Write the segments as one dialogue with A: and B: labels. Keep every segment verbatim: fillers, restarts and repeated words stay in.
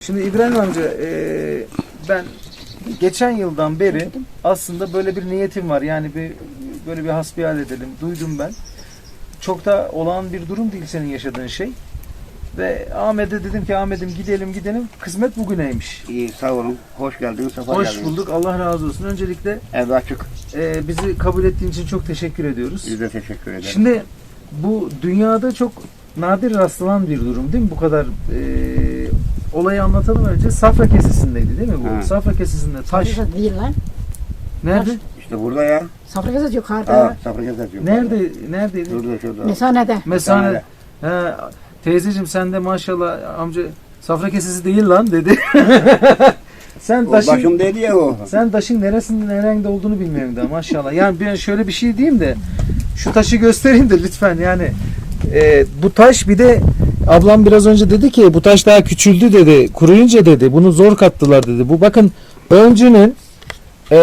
A: Şimdi İbrahim amca e, ben geçen yıldan beri aslında böyle bir niyetim var. Yani bir böyle bir hasbihal edelim. Duydum ben. Çok da olağan bir durum değil senin yaşadığın şey. Ve Ahmet'e dedim ki Ahmet'im gidelim gidelim. Kısmet bugüneymiş.
B: İyi, sağ olun. Hoş geldiniz. Sefa
A: Hoş
B: geldiniz.
A: bulduk. Allah razı olsun. Öncelikle
B: Ev açık.
A: e, bizi kabul ettiğin için çok teşekkür ediyoruz.
B: Biz de teşekkür ederiz.
A: Şimdi bu dünyada çok nadir rastlanan bir durum değil mi? Bu kadar e, olayı anlatalım önce. Safra Kesesi'ndeydi değil mi bu?
B: Ha.
A: Safra Kesesi'nde taş.
C: Safra Kesesi değil lan.
A: Nerede?
B: İşte burada ya.
C: Safra Kesesi yukarıda.
B: Ha, Safra Kesesi yok.
A: Nerede? Neredeydi?
B: Şurada, şurada.
C: Mesanede.
A: Mesane. He, teyzeciğim sen de maşallah amca Safra Kesesi değil lan dedi. sen
B: O
A: taşın
B: başım dedi ya o.
A: sen taşın neresinde nerede olduğunu bilmiyorum da maşallah. Yani ben şöyle bir şey diyeyim de şu taşı göstereyim de lütfen yani e, bu taş bir de ablam biraz önce dedi ki bu taş daha küçüldü dedi. Kuruyunca dedi. Bunu zor kattılar dedi. Bu bakın öncünün e,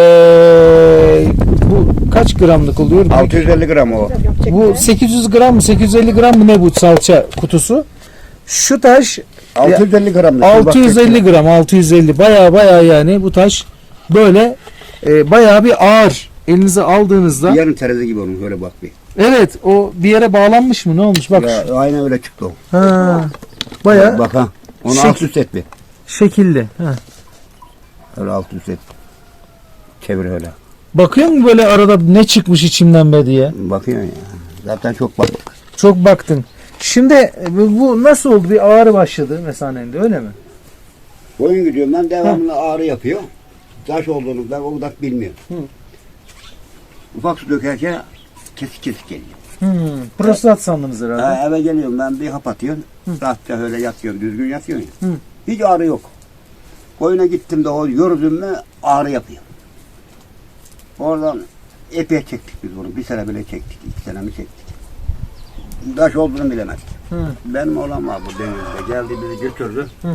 A: bu kaç gramlık oluyor?
B: altı yüz elli gram o.
A: Bu sekiz yüz gram mı sekiz yüz elli gram mı ne bu salça kutusu? Şu taş
B: altı yüz elli gram.
A: altı yüz elli gram altı yüz elli baya baya yani bu taş böyle e, baya bir ağır elinize aldığınızda.
B: Yarın terazi gibi onun, öyle bak bir.
A: Evet o bir yere bağlanmış mı ne olmuş bak.
B: Ya, aynen öyle çıktı o.
A: Ha, baya
B: Bak ha. Onu
A: Şek-
B: alt üst et bir.
A: şekilli. Ha.
B: Öyle alt üst et. Çevir öyle.
A: Bakıyor musun böyle arada ne çıkmış içimden be diye?
B: Bakıyorsun ya. Zaten çok bak.
A: Çok baktın. Şimdi e, bu nasıl oldu? Bir ağrı başladı mesanende öyle mi?
B: Boyun gidiyorum ben, devamlı ağrı yapıyor. Taş olduğunu ben o kadar bilmiyorum.
A: Hı.
B: Ufak su dökerken kesik kesik geliyor.
A: Hmm, prostat sandınız herhalde.
B: Ha, eve geliyorum ben, bir hap atıyorum. Rahatça öyle yatıyorum, düzgün yatıyorum ya.
A: Hı.
B: Hiç ağrı yok. Koyuna gittim de o yürüdüm mü ağrı yapıyor. Oradan epey çektik biz bunu. Bir sene bile çektik, iki sene mi çektik. Taş olduğunu bilemedik.
A: Hı.
B: Benim oğlan var bu denizde. Geldi bizi götürdü.
A: Hı.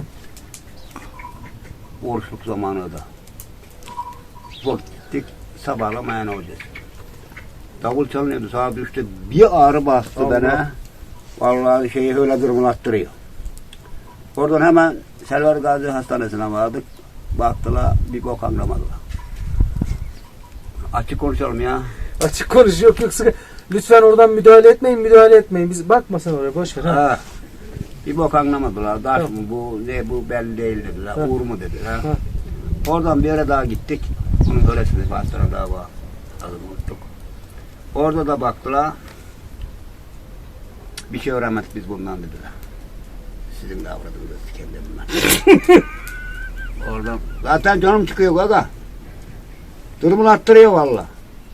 B: Oruçluk zamanı da. Bak gittik, sabahlamaya ne olacak? Davul çalınıyordu, saat üçte bir ağrı bastı
A: Allah.
B: bana. Vallahi şeyi öyle durumlattırıyor. Oradan hemen Selver Gazi Hastanesi'ne vardık. Baktılar, bir bok anlamadılar. Açık konuşalım ya.
A: Açık konuş yok yok sıkı. Lütfen oradan müdahale etmeyin müdahale etmeyin. Biz bakma sen oraya boş ver. Ha.
B: Ha. Bir bok anlamadılar. Taş
A: Tamam.
B: mı bu, ne bu belli değil dediler.
A: Ha.
B: Uğur mu dediler.
A: Ha.
B: Oradan bir yere daha gittik. Bunun öylesine Fatih'e daha var. Adını unuttuk. Orada da baktılar. Bir şey öğrenmedik biz bundan dediler. Sizin de avradınız kendimden. Oradan. Zaten canım çıkıyor gaga. Durumunu arttırıyor valla.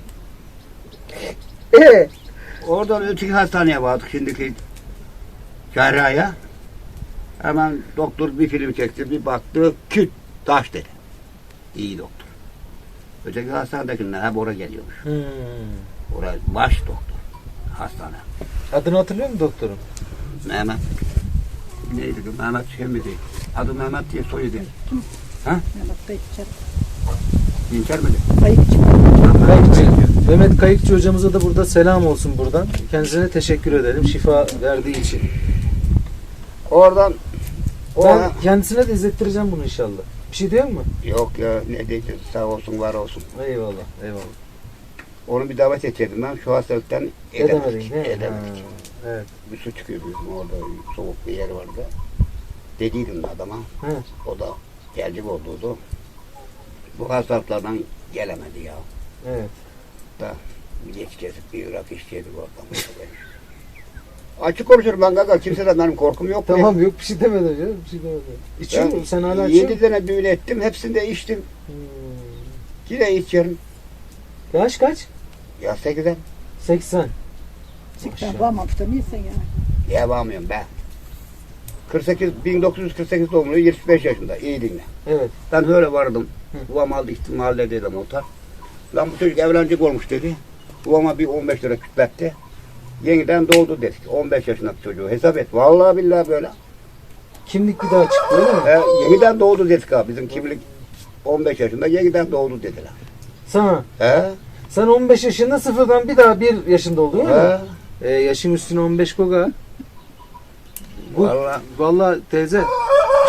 A: Ee?
B: Oradan öteki hastaneye vardık şimdiki cerrahya. Hemen doktor bir film çekti, bir baktı, küt, taş dedi. İyi doktor. Öteki hastanedekiler hep oraya geliyormuş.
A: Hmm.
B: Oraya baş doktor, hastane.
A: Adını hatırlıyor musun doktorun?
B: Mehmet. Neydi bu? Mehmet şey mi değil? Adı Mehmet diye soyu değil. Ha? İnkar mı değil?
A: Kayıkçı. Mehmet Kayıkçı hocamıza da burada selam olsun buradan. Kendisine teşekkür edelim şifa verdiği için.
B: Oradan
A: Ben
B: Oradan-
A: kendisine de izlettireceğim bunu inşallah. Bir şey diyor mu?
B: Yok ya, ne diyeceğiz, sağ olsun, var olsun.
A: Eyvallah, eyvallah.
B: Onu bir davet edecektim ben, şu hastalıktan
A: Edemedin
B: edemedik.
A: değil mi?
B: Edemedik.
A: Ha, evet.
B: Bir su çıkıyor bizim orada, soğuk bir yer vardı. Dediydim adama,
A: Hı.
B: o da gelecek olduğu. Bu hastalıklardan gelemedi ya.
A: Evet.
B: Da bir geç kesip bir Irak işçiydik oradan. Açık konuşurum ben gaga, kimseden benim korkum yok.
A: Tamam yok bir şey demedim canım. Bir şey demedim. İçiyor musun? Sen hala içiyor
B: Yedi
A: musun?
B: tane düğün ettim, hepsinde içtim.
A: Hmm.
B: Yine içiyorum.
A: Yaş kaç?
B: Ya sekizden.
A: seksen.
C: Sikten varmamış da neyse ya.
B: Yapamıyorum ben. kırk sekiz, bin dokuz yüz kırk sekiz doğumlu, yirmi beş yaşında. İyi dinle.
A: Evet.
B: Ben öyle vardım.
A: Hı.
B: Babam aldı gitti mahalledeydim otar. Lan bu çocuk evlenecek olmuş dedi. Babama bir on beş lira kütletti. Yeniden doğdu dedik. on beş yaşındaki çocuğu hesap et. Vallahi billahi böyle.
A: Kimlik bir daha çıktı öyle mi?
B: He, yeniden doğdu dedik abi. Bizim kimlik on beş yaşında yeniden doğdu dediler.
A: Sana.
B: He?
A: Sen on beş yaşında sıfırdan bir daha bir yaşında oldun değil mi?
B: He?
A: Ee, yaşın üstüne on beş koga. Bu,
B: Vallahi.
A: vallahi teyze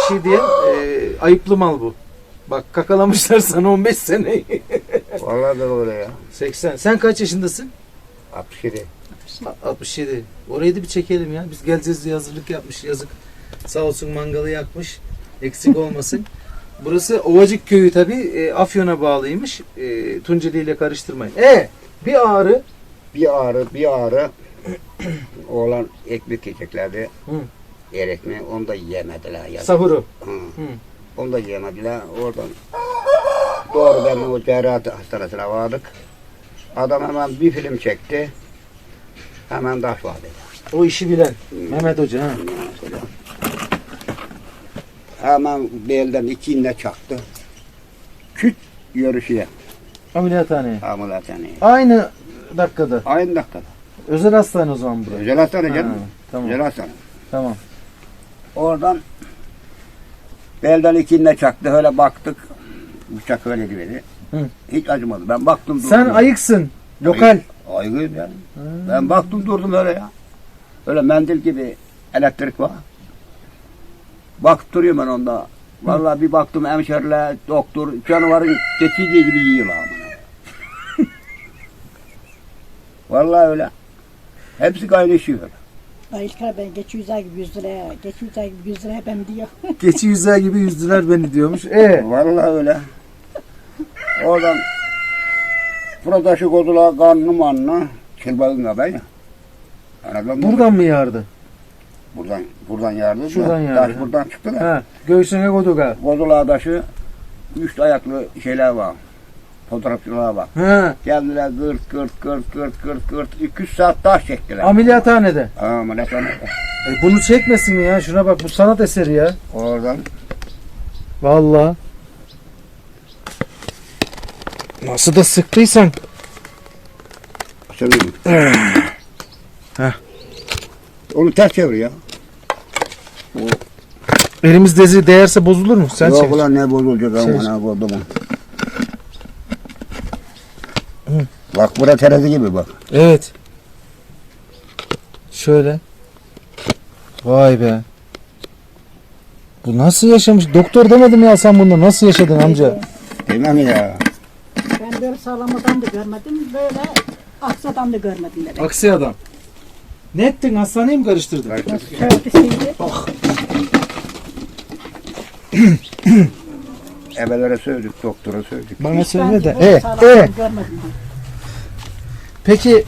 A: şey diye e, ayıplı mal bu. Bak kakalamışlar sana on beş seneyi.
B: Vallahi da öyle ya.
A: seksen. Sen kaç yaşındasın?
B: altmış yedi.
A: altmış yedi. Orayı da bir çekelim ya. Biz geleceğiz diye hazırlık yapmış. Yazık. Sağ olsun mangalı yakmış. Eksik olmasın. Burası Ovacık Köyü tabii. E, Afyon'a bağlıymış. E, Tunceli ile karıştırmayın. E bir ağrı.
B: Bir ağrı, bir ağrı. Oğlan ekmek yiyeceklerdi.
A: Hı.
B: Yer ekmeği, onu da yiyemediler. yazık.
A: Sahuru.
B: Hı.
A: Hı.
B: Onu da yiyemediler. Oradan doğrudan o cerrahi hastanesine vardık. Adam hemen bir film çekti. Hemen taş var dedi.
A: O işi bilen. Mehmet Hoca. Ha.
B: Hemen belden iki iğne çaktı. Küt yürüyüşüye.
A: Ameliyathaneye.
B: Ameliyathaneye.
A: Aynı dakikada.
B: Aynı dakikada.
A: Özel hastane o zaman burası.
B: Özel hastane
A: Ha,
B: canım.
A: tamam.
B: Özel hastane.
A: Tamam.
B: Oradan belden iki iğne çaktı. Öyle baktık. Bıçak öyle gibi.
A: Hı.
B: Hiç acımadı. Ben baktım durdum.
A: Sen ayıksın. Lokal.
B: Aygıyım yani. Ben baktım durdum öyle ya. Öyle mendil gibi elektrik var. Bakıp duruyorum ben onda. Vallahi bir baktım hemşeriler, doktor, canavarın geçici gibi yiyorlar. Vallahi öyle. Hepsi kaynaşıyor.
C: Ay İlker ben geç yüz ay gibi yüz liraya, geç yüz ay gibi yüz liraya ben diyor.
A: Geçi yüzer gibi yüzdüler beni diyormuş. E
B: Vallahi öyle. Oradan fıradaşı kodular kanlı manlı. Çılbağın kadar ya. Anladın mı?
A: buradan mı yardı?
B: Buradan, buradan yardı.
A: Şuradan
B: da,
A: yardı.
B: Taş buradan çıktı da.
A: Ha, göğsüne koduga.
B: Kodular taşı, üç ayaklı şeyler var. Fotoğrafçılar var.
A: Ha,
B: Geldiler gırt gırt gırt gırt gırt gırt. iki üç saat taş çektiler.
A: ameliyathanede.
B: Ha, ameliyathanede.
A: E, bunu çekmesin mi ya? Şuna bak, bu sanat eseri ya.
B: Oradan
A: Vallahi. Nasıl da sıktıysan.
B: söyleyeyim.
A: Heh.
B: Onu ters çevir ya.
A: Elimiz dezi değerse bozulur mu? Sen
B: Yok
A: çevir.
B: ulan ne bozulacak
A: Çevir.
B: ama ne bozdu mu? Bak bura terazi gibi bak.
A: Evet. Şöyle. Vay be. Bu nasıl yaşamış? Doktor demedim ya sen bunda nasıl yaşadın amca?
B: Değil mi ya?
C: Ben böyle sağlam adam da görmedim, böyle aks adam da görmedim demek.
A: Aksi adam. Ne ettin? Hastaneyi mi karıştırdın?
C: Şöyle şeydi.
B: Ebelere söyledik, doktora söyledik.
A: Bana
C: Ben
A: söyle de.
C: böyle
A: E,
C: sağlam
A: e.
C: adam görmedim.
A: Peki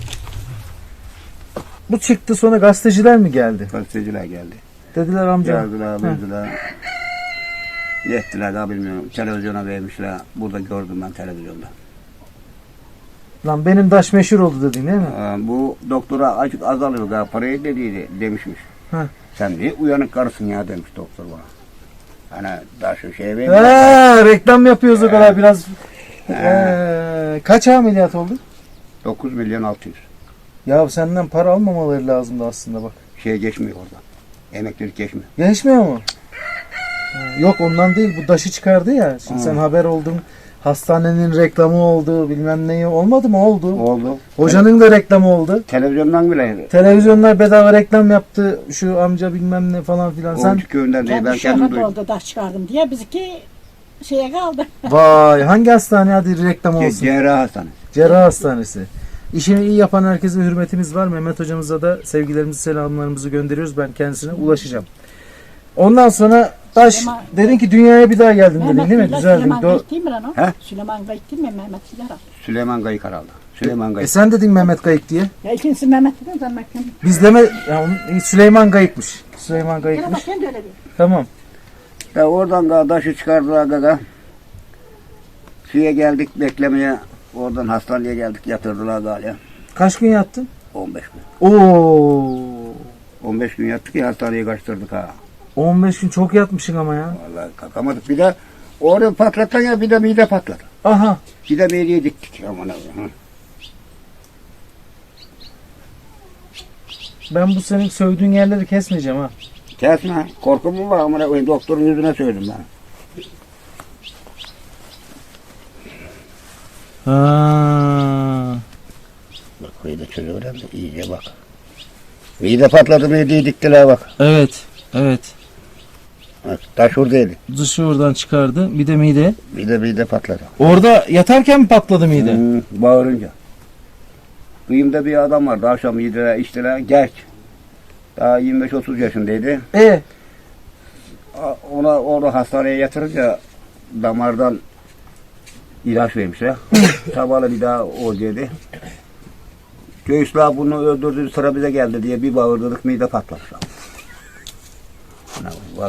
A: bu çıktı sonra gazeteciler mi geldi?
B: Gazeteciler geldi.
A: Dediler amca.
B: Geldiler, bildiler. Ne ettiler daha bilmiyorum. Televizyona vermişler. Burada gördüm ben televizyonda.
A: Lan benim daş meşhur oldu dedin değil mi?
B: Aa, bu doktora açık azalıyor galiba parayı dediydi demişmiş.
A: Ha.
B: Sen de uyanık karısın ya demiş doktor bana. Hani daha şu şeye vermiyor.
A: Ha, reklam yapıyoruz o kadar biraz. Ee, kaç ameliyat oldu?
B: dokuz milyon altı yüz.
A: Ya senden para almamaları lazımdı aslında bak.
B: Şey geçmiyor orada. Emeklilik geçmiyor.
A: Geçmiyor mu? Ha, yok ondan değil, bu daşı çıkardı ya. Şimdi
B: Ha.
A: sen haber oldun. Hastanenin reklamı oldu, bilmem neyi olmadı mı? Oldu.
B: Oldu.
A: Hocanın da reklamı oldu.
B: Televizyondan bile.
A: Televizyonlar bedava reklam yaptı. Şu amca bilmem ne falan filan. Sen
B: Oğuzcu köyünden değil. Ben
C: Kendi
B: kendim
C: şoför
B: duydum.
C: oldu, taş çıkardım diye bizimki şeye kaldı.
A: vay hangi hastane hadi reklam olsun.
B: Cerrah hastanesi.
A: Cerrah Hastanesi. İşini iyi yapan herkese hürmetimiz var. Mehmet hocamıza da sevgilerimizi, selamlarımızı gönderiyoruz. Ben kendisine ulaşacağım. Ondan sonra taş
C: Süleyman-
A: dedin ki dünyaya bir daha geldin dedin
C: Mehmet
A: değil mi?
C: Bilal,
A: Güzel dedin.
C: Süleyman
A: Do-
C: Gayık değil mi lan o?
B: He?
C: Süleyman Gayık değil mi Mehmet Bilal?
B: Süleyman Gayık herhalde. Süleyman
A: e
B: Gayık.
A: sen dedin Mehmet Gayık diye.
C: Ya ikincisi Mehmet dedim sen bakayım.
A: Biz deme ya onun- Süleyman Gayık'mış. Süleyman
C: Gel
A: Gayık'mış.
C: bakayım da öyle bir.
A: Tamam.
B: Ya oradan kardeşi çıkardılar gaga. Suya geldik beklemeye. Oradan hastaneye geldik yatırdılar galiba.
A: Kaç gün yattın?
B: on beş gün.
A: Oo.
B: on beş gün yattık ya hastaneye kaçtırdık ha.
A: on beş gün çok yatmışsın ama ya.
B: Vallahi kalkamadık. Bir de orada patlatan ya bir de mide patladı.
A: Aha.
B: Bir de mideye diktik. Aman Allah'ım.
A: Ben bu senin sövdüğün yerleri kesmeyeceğim ha.
B: Kesme. Korkum mu var? Aman Allah'ım. Doktorun yüzüne söyledim ben.
A: Ha.
B: Bak burayı da çözüyorum da iyice bak. Mide patladı mideyi diktiler bak.
A: Evet. Evet.
B: Evet, taş oradaydı.
A: Dışı oradan çıkardı. Bir de mide.
B: Bir de bir de patladı.
A: Orada yatarken mi patladı mide?
B: Hmm, bağırınca. Kıyımda bir adam vardı. Akşam yediler, içtiler. Genç. Daha yirmi beş otuz yaşındaydı.
A: E
B: A- Ona orada hastaneye yatırınca damardan ilaç vermişler. Sabahla bir daha o dedi. Göğüsler bunu öldürdü, sıra bize geldi diye bir bağırdık, mide patlamış. Ana, vallahi.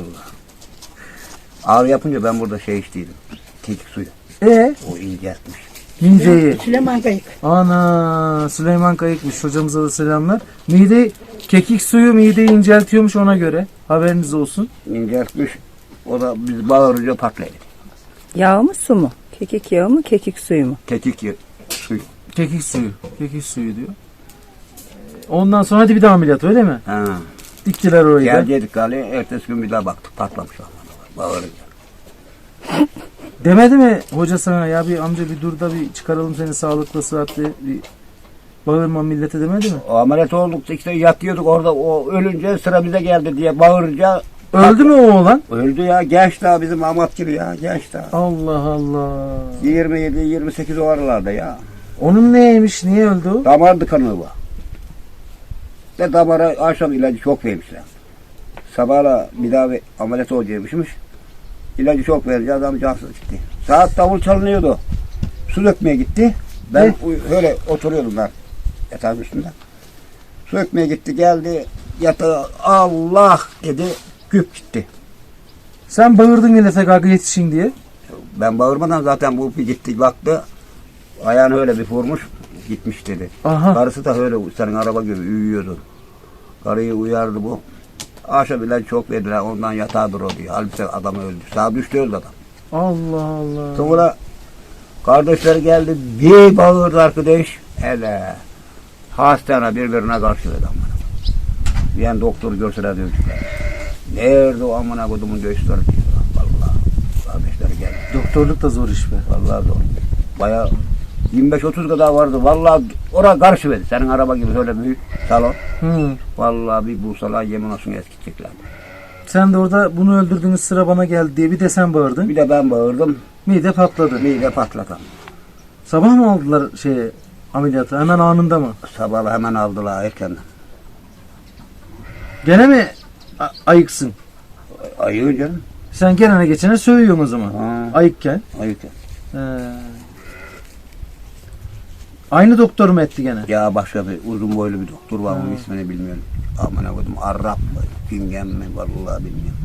B: Ağrı yapınca ben burada şey içtiydim. Kekik suyu.
A: e
B: O inceltmiş.
A: mideyi.
C: Süleyman Kayık.
A: Ana Süleyman Kayıkmış. Hocamıza da selamlar. Mide kekik suyu mideyi inceltiyormuş ona göre. Haberiniz olsun.
B: İnceltmiş. O da biz bağırınca patladı.
D: Yağ mı su mu? Kekik yağı mı kekik suyu mu?
B: Kekik ye- suyu.
A: Kekik suyu. Kekik suyu diyor. Ondan sonra hadi bir daha ameliyat öyle mi?
B: Ha.
A: Diktiler orayı da.
B: Gelecektik galiba. Ertesi gün bir daha baktık. Patlamış. Bağırınca.
A: Demedi mi hoca sana ya bir amca bir dur da bir çıkaralım seni sağlıklı sıhhatli bir bağırma millete demedi mi?
B: O ameliyat olduk işte yatıyorduk orada o ölünce sıra bize geldi diye bağırınca
A: Öldü mü o oğlan?
B: öldü ya genç daha bizim Ahmet gibi ya genç daha.
A: Allah Allah.
B: yirmi yedi yirmi sekiz o aralarda ya.
A: Onun neymiş? Niye öldü o?
B: Damar tıkanığı var. Ve damara akşam ilacı çok vermişler. Sabahla bir daha bir ameliyat olacakmışmış. İlacı çok verince adam cansız gitti. Saat davul çalınıyordu. Su dökmeye gitti. Ben
A: Ne?
B: uy- öyle oturuyordum ben yatağın üstünde. Su dökmeye gitti geldi yatağa Allah dedi güp gitti.
A: Sen bağırdın millete kalkı yetişin diye.
B: Ben bağırmadan zaten bu bir gitti baktı. Ayağını öyle bir vurmuş gitmiş dedi.
A: Aha.
B: Karısı da öyle senin araba gibi uyuyordu. Karıyı uyardı bu. Akşam ilacı çok verdiler ondan yatağa durdu diyor. Halbuki adam öldü. Saat üçte öldü adam.
A: Allah Allah.
B: Sonra kardeşler geldi bir bağırdı arkadaş. Hele hastane birbirine karşı dedi amına. Yani doktor görseler dövdüler. Nerede o amına kodumun göğüsleri diyor. Vallahi kardeşler geldi.
A: Doktorluk da zor iş be.
B: Vallahi zor. Bayağı yirmi beş otuz kadar vardı. Vallahi oraya karşı verdi. Senin araba gibi öyle büyük salon.
A: Hı.
B: Vallahi bir bulsalar yemin olsun eskitecekler.
A: Sen de orada bunu öldürdüğünüz sıra bana geldi diye bir de sen bağırdın.
B: Bir de ben bağırdım.
A: Mide patladı.
B: Mide patlatan.
A: Sabah mı aldılar şeye ameliyatı? Hemen anında mı?
B: Sabah hemen aldılar erkenden.
A: Gene mi a- ayıksın?
B: Ayı canım.
A: Sen gelene geçene sövüyorsun o zaman.
B: Ha.
A: Ayıkken.
B: Ayı.
A: He. Aynı doktor mu etti gene?
B: Ya başka bir uzun boylu bir doktor var. Onun ismini bilmiyorum. Amına koydum. Arap mı? Pingen mi? Vallahi bilmiyorum.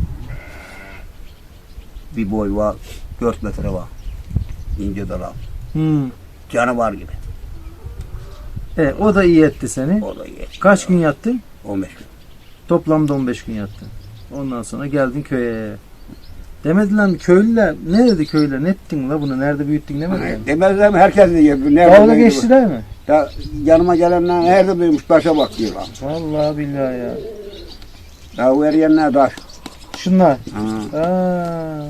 B: Bir boy var. dört metre var. İnce dala.
A: Hmm.
B: Canavar gibi.
A: E, o da iyi etti seni.
B: O da iyi.
A: Kaç gün yattın?
B: on beş gün.
A: Toplamda on beş gün yattın. Ondan sonra geldin köye. Demediler mi köylüler? Ne dedi köylüler? Ne ettin la bunu? Nerede büyüttün demediler mi?
B: Demezler mi? Herkes diyor.
A: Dalga geçtiler mi?
B: Ya, yanıma gelenler nerede duymuş taşa bak diyorlar.
A: Vallahi billahi ya.
B: Ya o eriyenler taş.
A: Şunlar.
B: Ha.
A: Aa.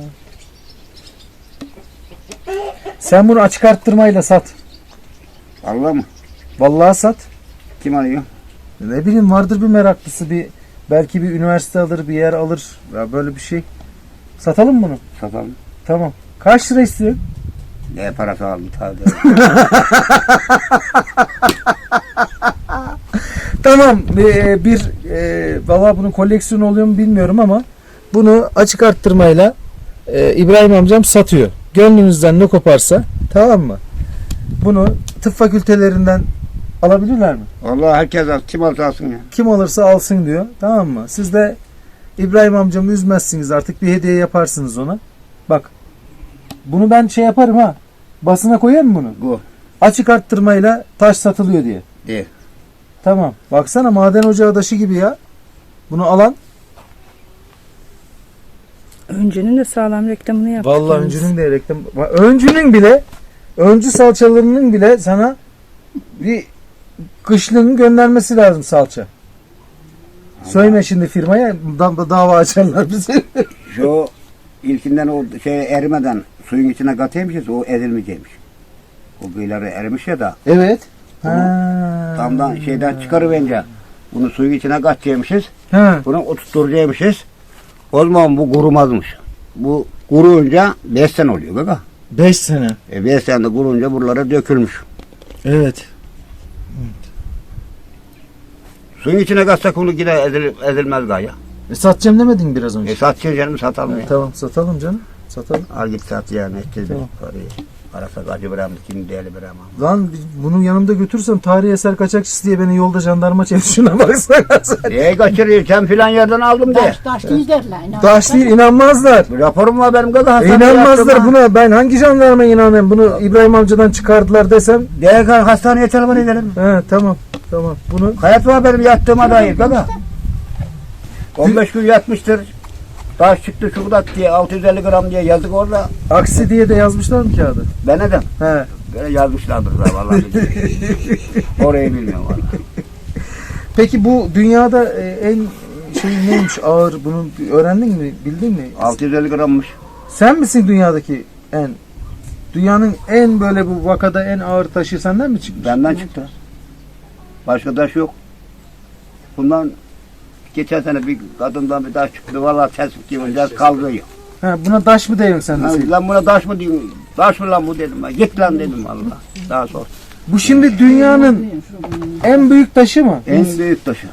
A: Sen bunu açık arttırmayla sat.
B: Allah mı?
A: Vallahi sat.
B: Kim arıyor?
A: Ne bileyim vardır bir meraklısı bir belki bir üniversite alır bir yer alır ya böyle bir şey. Satalım mı bunu.
B: Satalım.
A: Tamam. Kaç lira istiyorsun?
B: Ne parası aldı tabi.
A: Tamam bir, bir e, valla bunun koleksiyonu oluyor mu bilmiyorum ama bunu açık arttırmayla e, İbrahim amcam satıyor. Gönlünüzden ne koparsa tamam mı? Bunu tıp fakültelerinden alabilirler mi?
B: Vallahi herkes al. Kim alsa alsın ya.
A: Kim alırsa alsın diyor. Tamam mı? Siz de İbrahim amcamı üzmezsiniz artık bir hediye yaparsınız ona. Bak bunu ben şey yaparım ha. Basına koyayım bunu.
B: Bu.
A: Açık arttırmayla taş satılıyor diye.
B: Değil.
A: Tamam. Baksana maden ocağı taşı gibi ya. Bunu alan.
D: Öncünün de sağlam reklamını yaptık.
A: Vallahi
D: yalnız.
A: öncünün de reklam. Öncünün bile öncü salçalarının bile sana bir kışlığın göndermesi lazım salça. Söyleme şimdi firmaya da- dava açarlar bizi.
B: Şu ilkinden o şey erimeden suyun içine kataymışız o ezilmeyecekmiş. O kıyıları erimiş ya da
A: Evet.
B: Bunu
A: Ha.
B: tamdan şeyden çıkarıverince bunu suyun içine katacakmışız.
A: Ha.
B: Bunu oturtturacakmışız. O zaman bu kurumazmış. Bu kuruyunca beş sene oluyor kaka.
A: beş sene.
B: E beş sene de kurunca buralara dökülmüş.
A: Evet.
B: Suyun içine katsak onu yine ezil, ezilmez gaya.
A: E, satacağım demedin mi biraz önce?
B: E satacağız canım, satalım ya.
A: Tamam satalım canım. Satalım.
B: Al git sat yani. Ettir
A: Tamam.
B: parayı. Arasa acı bırakmış, şimdi değerli bırakmam.
A: Lan bunu yanımda götürsem tarihi eser kaçakçısı diye beni yolda jandarma çevir, şuna baksana sen.
B: Neye kaçırıyor? Sen filan yerden aldım de.
C: Taş, taş değil derler. inan.
A: Taş değil, inanmazlar.
B: Bir raporum var benim kaka.
A: E, inanmazlar buna. Ben hangi jandarma inanayım? Bunu İbrahim amcadan çıkardılar desem.
B: Değer kal hastaneye telefon edelim.
A: He tamam. Tamam. Bunu
B: Hayat var benim yattığıma dair kaka. on beş gün yatmıştır. Taş çıktı şurada diye altı yüz elli gram diye yazdık orada.
A: aksi diye de yazmışlar mı kağıdı?
B: Ben neden?
A: He.
B: Böyle yazmışlardır da vallahi. Orayı bilmiyorum vallahi.
A: Peki bu dünyada e, en şey neymiş ağır, bunu öğrendin mi? Bildin mi?
B: altı yüz elli grammış.
A: Sen misin dünyadaki en dünyanın en böyle bu vakada en ağır taşı senden mi çıkmış?
B: Benden çıktı. Başka taş yok. Bundan geçen sene bir kadından bir taş çıktı. Vallahi tespit gibi kaldırıyor.
A: Ha, buna taş mı diyorsun sen de?
B: Ha,
A: Seyit?
B: lan buna taş mı diyeyim? Taş mı lan bu dedim ben. Git lan dedim vallahi. Daha sonra.
A: Bu şimdi dünyanın en büyük taşı mı?
B: En büyük taşı.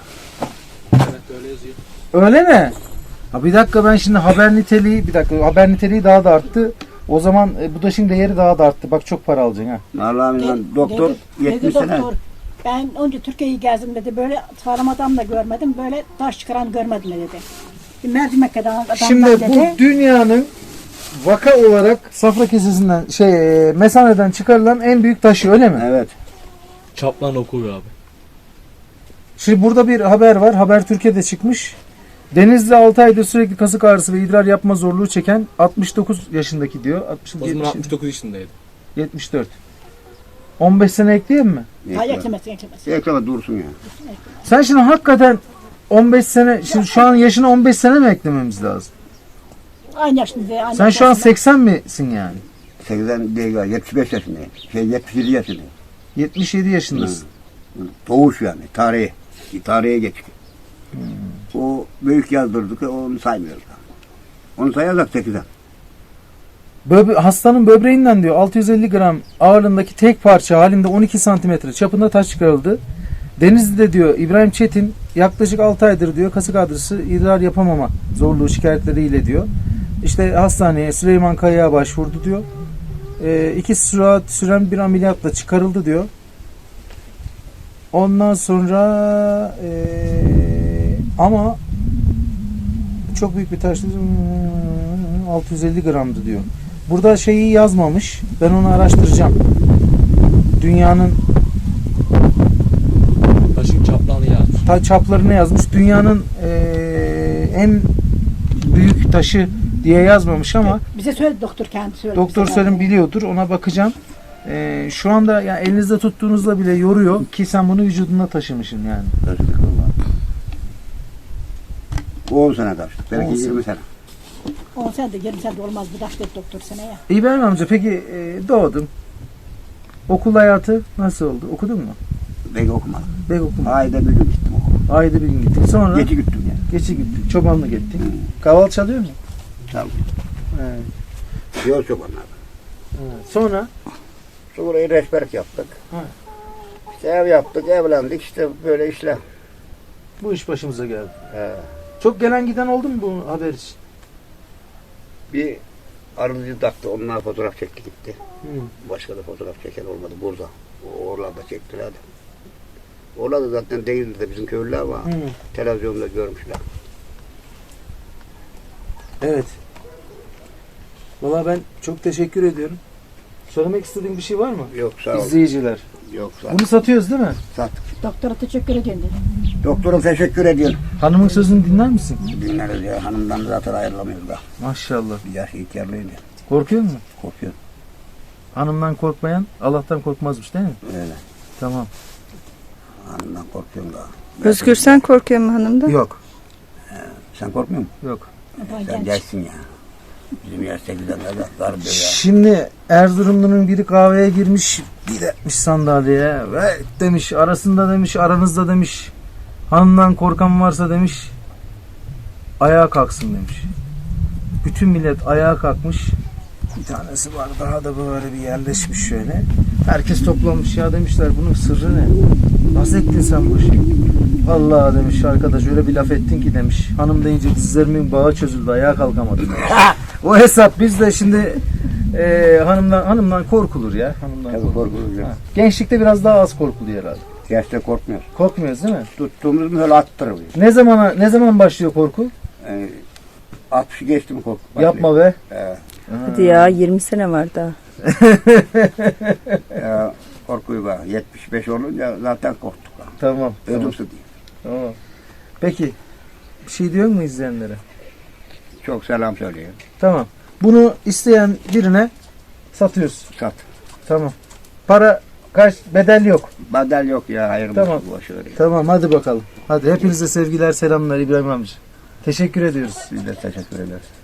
A: Öyle mi? Ha bir dakika, ben şimdi haber niteliği bir dakika haber niteliği daha da arttı. O zaman e, bu taşın değeri daha da arttı. Bak çok para alacaksın ha.
B: Vallahi
C: Dedi-
B: ben doktor
C: dedi-
B: yetmiş
C: dedi
B: sene.
C: doktor, ben önce Türkiye'yi gezdim dedi. Böyle sağlam adam da görmedim. Böyle taş çıkaran görmedim dedi. Bir mercimek kadar adamdan
A: Şimdi
C: dedi.
A: bu dünyanın vaka olarak safra kesesinden şey e, mesaneden çıkarılan en büyük taşı, öyle mi?
B: Evet.
E: Çaplan oku abi.
A: Şimdi burada bir haber var. Haber Türkiye'de çıkmış. Denizli altı aydır sürekli kasık ağrısı ve idrar yapma zorluğu çeken altmış dokuz yaşındaki diyor. altmış,
E: O zaman
A: yetmiş,
E: altmış dokuz yaşındaydı.
A: yetmiş dört. on beş sene ekleyeyim mi?
C: Hayır eklemesin eklemesin.
B: Ekleme dursun ya.
A: Sen şimdi hakikaten on beş sene, şimdi şu an yaşına on beş sene mi eklememiz lazım?
C: Aynı yaşında. Aynı
A: Sen şu an
C: yaşında.
A: seksen misin yani?
B: seksen değil galiba. yetmiş beş yaşındayım. Şey yetmiş yedi yaşındayım.
A: yetmiş yedi yaşındasın.
B: Doğuş yani. Tarihi. Tarihe geçti. O büyük yazdırdık. Onu saymıyoruz. Onu sayarsak sekizden.
A: Böbre hastanın böbreğinden diyor altı yüz elli gram ağırlığındaki tek parça halinde on iki santimetre çapında taş çıkarıldı. Denizli'de diyor İbrahim Çetin yaklaşık altı aydır diyor kasık ağrısı, idrar yapamama zorluğu şikayetleriyle diyor. İşte hastaneye Süleyman Kaya'ya başvurdu diyor. E, iki saat süren bir ameliyatla çıkarıldı diyor. Ondan sonra e, ama çok büyük bir taş, altı yüz elli gramdı diyor. Burada şeyi yazmamış. Ben onu araştıracağım. Dünyanın
E: Taşın çaplanı yazmış.
A: ta çaplarını yazmış. Dünyanın eee, en büyük taşı diye yazmamış ama
C: Bize söyledi doktor kendi söyledi.
A: doktor
C: bize.
A: Selim biliyordur. Ona bakacağım. Eee, şu anda yani elinizde tuttuğunuzla bile yoruyor ki sen bunu vücudunda taşımışsın yani.
B: Taşıdık vallahi. on sene taştık.
A: on
B: Belki
A: sene.
B: yirmi sene.
C: on sene de yirmi sene de olmaz bu taş dedi doktor seneye.
A: İbrahim amca peki eee, doğdum. Okul hayatı nasıl oldu? Okudun mu?
B: Belki okumadım.
A: Ben okudum.
B: Ayda bir gün gittim okula.
A: Ayda bir gün gittin. Sonra
B: Gece gittim yani.
A: geçi gittin. Çobanlık ettin. Kaval çalıyor mu?
B: Çaldım.
A: Evet.
B: Yol çobanlar.
A: Evet. Sonra
B: Sonra rehberlik yaptık.
A: Ha.
B: İşte ev yaptık, evlendik. İşte böyle işler.
A: bu iş başımıza geldi.
B: He.
A: Çok gelen giden oldu mu bu haber için?
B: Bir arıcı taktı. Onlar fotoğraf çekti gitti.
A: Hı.
B: Başka da fotoğraf çeken olmadı burada. O oralarda çektiler de. Orada zaten değildi de bizim köylüler var.
A: Hı.
B: Televizyonda görmüşler.
A: Evet. Valla ben çok teşekkür ediyorum. Söylemek istediğin bir şey var mı?
B: Yok sağ ol.
A: İzleyiciler.
B: Yok sağ ol.
A: Bunu satıyoruz değil mi?
B: Sattık.
C: Doktora teşekkür ediyorum dedi.
B: Doktora teşekkür ediyorum.
A: Hanımın sözünü dinler misin?
B: Dinleriz ya. Hanımdan zaten ayrılamıyoruz da.
A: Maşallah.
B: Bir yaş ihtiyarlıydı.
A: Korkuyor musun?
B: Korkuyor.
A: Hanımdan korkmayan Allah'tan korkmazmış değil mi?
B: Öyle.
A: Tamam.
B: Hanımdan korkuyorum da.
D: Özgür sen korkuyor mu hanımdan?
A: Yok.
B: Sen korkmuyor musun?
A: Yok.
C: Ben
B: Sen
C: genç.
B: gençsin ya. Bizim yaş sekizden de dar diyor ya.
A: Şimdi Erzurumlu'nun biri kahveye girmiş, bir etmiş sandalyeye ve demiş arasında demiş aranızda demiş hanımdan korkan varsa demiş ayağa kalksın demiş. Bütün millet ayağa kalkmış. Bir tanesi var daha da böyle bir yerleşmiş şöyle. Herkes toplanmış ya demişler bunun sırrı ne? Nasıl ettin sen bu işi? Vallahi demiş arkadaş öyle bir laf ettin ki demiş. Hanım deyince dizlerimin bağı çözüldü ayağa kalkamadım demiş. O hesap biz de şimdi e, hanımdan hanımdan korkulur ya. Hanımdan
B: Tabii korkulur ya.
A: Ha. Gençlikte biraz daha az korkuluyor herhalde.
B: Gerçekten korkmuyoruz.
A: Korkmuyoruz değil mi?
B: Tuttuğumuz mu öyle attırılıyor.
A: Ne zamana ne zaman başlıyor korku?
B: Yani altmışı geçti mi korku?
A: Yapma be.
B: Ee,
D: Hadi ya yirmi sene var daha.
B: ya, korkuyu var. yetmiş beş olunca zaten korktuk.
A: Tamam. Tamam.
B: Ödümsü değil.
A: Tamam. Peki bir şey diyor mu izleyenlere?
B: Çok selam söylüyorum.
A: Tamam. Bunu isteyen birine satıyorsun.
B: Sat.
A: Tamam. Para kaç bedel yok.
B: Bedel yok ya. Hayır
A: Tamam.
B: boş ver ya.
A: Tamam hadi bakalım. Hadi hepinize sevgiler selamlar İbrahim amca. Teşekkür ediyoruz.
B: Biz de teşekkür ederiz.